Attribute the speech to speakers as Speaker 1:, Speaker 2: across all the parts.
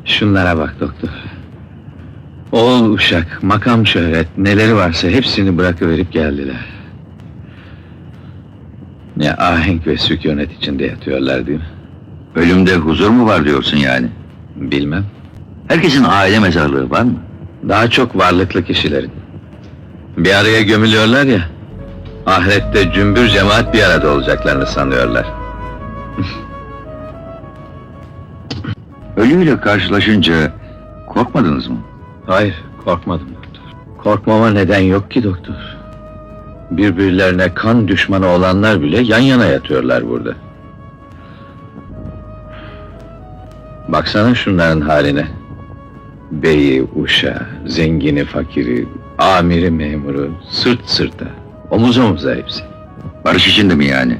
Speaker 1: Şunlara bak doktor. Oğul uşak, makam şöhret, neleri varsa hepsini bırakıverip geldiler. Ne ahenk ve sükunet içinde yatıyorlar değil mi?
Speaker 2: Ölümde huzur mu var diyorsun yani?
Speaker 1: Bilmem.
Speaker 2: Herkesin aile mezarlığı var mı?
Speaker 1: Daha çok varlıklı kişilerin. Bir araya gömülüyorlar ya, ahirette cümbür cemaat bir arada olacaklarını sanıyorlar.
Speaker 2: Ölüyle karşılaşınca korkmadınız mı?
Speaker 1: Hayır, korkmadım doktor. Korkmama neden yok ki doktor. Birbirlerine kan düşmanı olanlar bile yan yana yatıyorlar burada. Baksana şunların haline. Beyi, uşağı, zengini, fakiri, amiri, memuru, sırt sırta, omuz omuza hepsi.
Speaker 2: Barış içinde mi yani?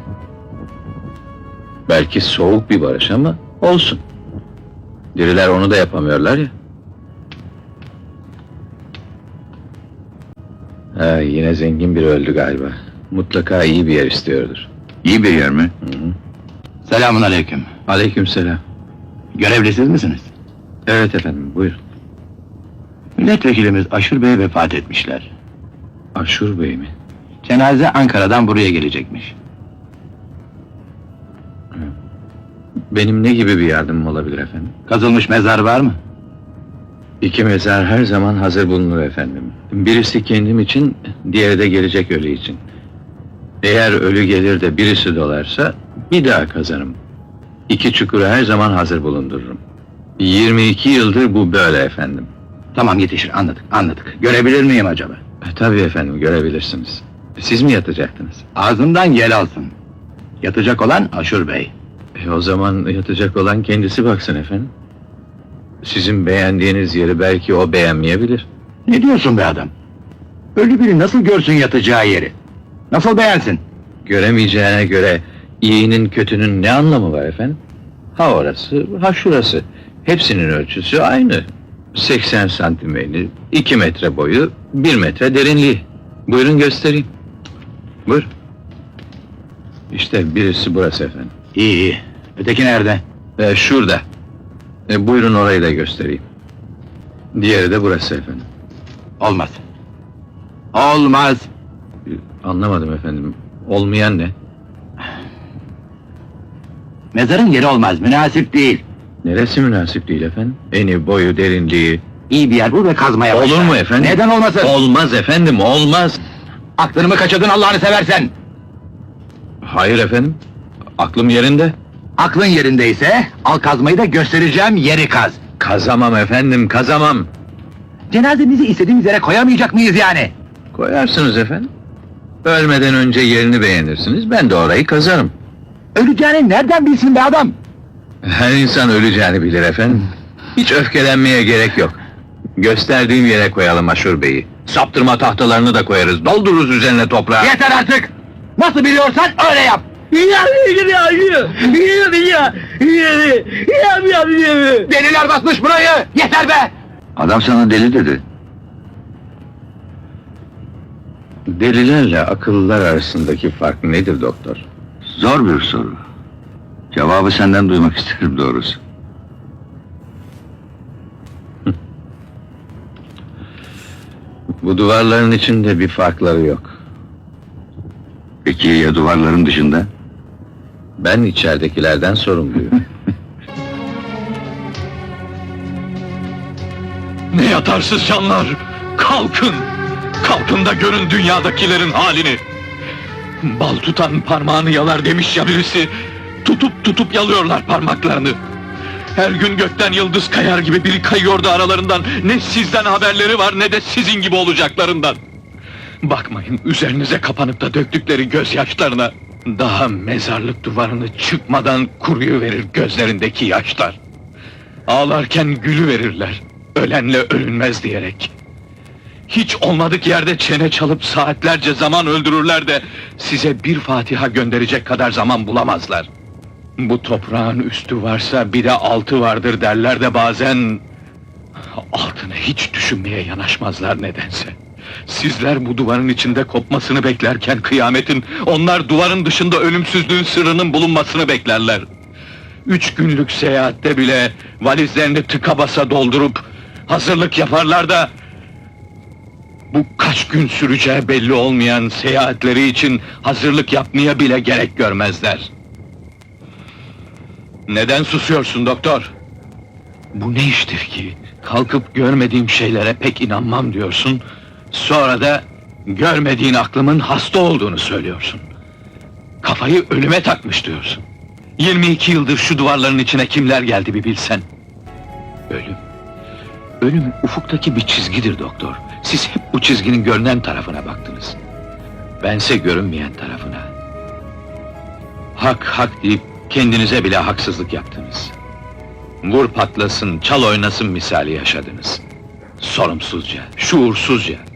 Speaker 1: Belki soğuk bir barış ama olsun. Diriler onu da yapamıyorlar ya. Ha, yine zengin biri öldü galiba. Mutlaka iyi bir yer istiyordur.
Speaker 2: İyi bir yer mi?
Speaker 1: Hı hı.
Speaker 3: Selamun aleyküm.
Speaker 1: Aleykümselam.
Speaker 3: Görevlisiz misiniz?
Speaker 1: Evet efendim, buyurun.
Speaker 3: Milletvekilimiz Aşur Bey vefat etmişler.
Speaker 1: Aşur Bey mi?
Speaker 3: Cenaze Ankara'dan buraya gelecekmiş.
Speaker 1: Benim ne gibi bir yardımım olabilir efendim?
Speaker 3: Kazılmış mezar var mı?
Speaker 1: İki mezar her zaman hazır bulunur efendim. Birisi kendim için, diğeri de gelecek ölü için. Eğer ölü gelir de birisi dolarsa, bir daha kazarım. İki çukuru her zaman hazır bulundururum. 22 yıldır bu böyle efendim.
Speaker 3: Tamam, yetişir, anladık. Görebilir miyim acaba?
Speaker 1: Tabii efendim, görebilirsiniz. Siz mi yatacaktınız?
Speaker 3: Ağzımdan yel alsın. Yatacak olan Aşur Bey.
Speaker 1: O zaman yatacak olan kendisi baksın efendim. Sizin beğendiğiniz yeri belki o beğenmeyebilir.
Speaker 3: Ne diyorsun be adam? Ölü biri nasıl görsün yatacağı yeri? Nasıl beğensin?
Speaker 1: Göremeyeceğine göre iyinin kötünün ne anlamı var efendim? Ha orası, ha şurası. Hepsinin ölçüsü aynı. 80 santim eni, 2 metre boyu, 1 metre derinliği. Buyurun göstereyim. Buyur. İşte birisi burası efendim.
Speaker 3: İyi. Öteki nerede?
Speaker 1: Şurada. Buyurun orayı da göstereyim. Diğeri de burası efendim.
Speaker 3: Olmaz. Olmaz.
Speaker 1: Anlamadım efendim. Olmayan ne?
Speaker 3: Mezarın yeri olmaz, münasip değil.
Speaker 1: Neresi münasip değil efendim? Eni, boyu, derinliği.
Speaker 3: İyi bir yer bul ve kazmaya başla.
Speaker 1: Olur mu efendim?
Speaker 3: Neden olmasın?
Speaker 1: Olmaz efendim, olmaz.
Speaker 3: Aklını mı kaçırdın Allah'ını seversen?
Speaker 1: Hayır efendim. Aklım yerinde.
Speaker 3: Aklın yerindeyse, al kazmayı da göstereceğim yeri kaz.
Speaker 1: Kazamam efendim, kazamam.
Speaker 3: Cenazemizi istediğimiz yere koyamayacak mıyız yani?
Speaker 1: Koyarsınız efendim. Ölmeden önce yerini beğenirsiniz, ben de orayı kazarım.
Speaker 3: Öleceğini nereden bilsin be adam?
Speaker 1: Her insan öleceğini bilir efendim. Hiç öfkelenmeye gerek yok. Gösterdiğim yere koyalım Aşur Bey'i. Saptırma tahtalarını da koyarız, doldururuz üzerine toprağı.
Speaker 3: Yeter artık! Nasıl biliyorsan öyle yap! Deliler basmış burayı! Yeter be!
Speaker 2: Adam sana deli dedi.
Speaker 1: Delilerle akıllılar arasındaki fark nedir doktor?
Speaker 2: Zor bir soru. Cevabı senden duymak isterim doğrusu.
Speaker 1: Bu duvarların içinde bir farkları yok.
Speaker 2: Peki ya duvarların dışında?
Speaker 1: Ben içeridekilerden sorumluyum.
Speaker 4: Ne yatarsız canlar! Kalkın! Kalkın da görün dünyadakilerin halini! Bal tutan parmağını yalar demiş ya birisi, tutup yalıyorlar parmaklarını. Her gün gökten yıldız kayar gibi biri kayıyordu aralarından, ne sizden haberleri var ne de sizin gibi olacaklarından. Bakmayın üzerinize kapanıp da döktükleri gözyaşlarına, daha mezarlık duvarını çıkmadan kuruyuverir gözlerindeki yaşlar. Ağlarken gülüverirler, ölenle ölünmez diyerek. Hiç olmadık yerde çene çalıp saatlerce zaman öldürürler de size bir Fatiha gönderecek kadar zaman bulamazlar. Bu toprağın üstü varsa bir de altı vardır derler de bazen altını hiç düşünmeye yanaşmazlar nedense. Sizler bu duvarın içinde kopmasını beklerken kıyametin, onlar duvarın dışında ölümsüzlüğün sırrının bulunmasını beklerler. 3 günlük seyahatte bile valizlerini tıka basa doldurup hazırlık yaparlar da bu kaç gün süreceği belli olmayan seyahatleri için hazırlık yapmaya bile gerek görmezler. Neden susuyorsun doktor? Bu ne iştir ki? Kalkıp görmediğim şeylere pek inanmam diyorsun. Sonra da görmediğin aklımın hasta olduğunu söylüyorsun. Kafayı ölüme takmış diyorsun. 22 yıldır şu duvarların içine kimler geldi bir bilsen. Ölüm. Ölüm ufuktaki bir çizgidir doktor. Siz hep bu çizginin görünen tarafına baktınız. Bense görünmeyen tarafına. Hak hak deyip kendinize bile haksızlık yaptınız. Vur patlasın, çal oynasın misali yaşadınız. Sorumsuzca, şuursuzca.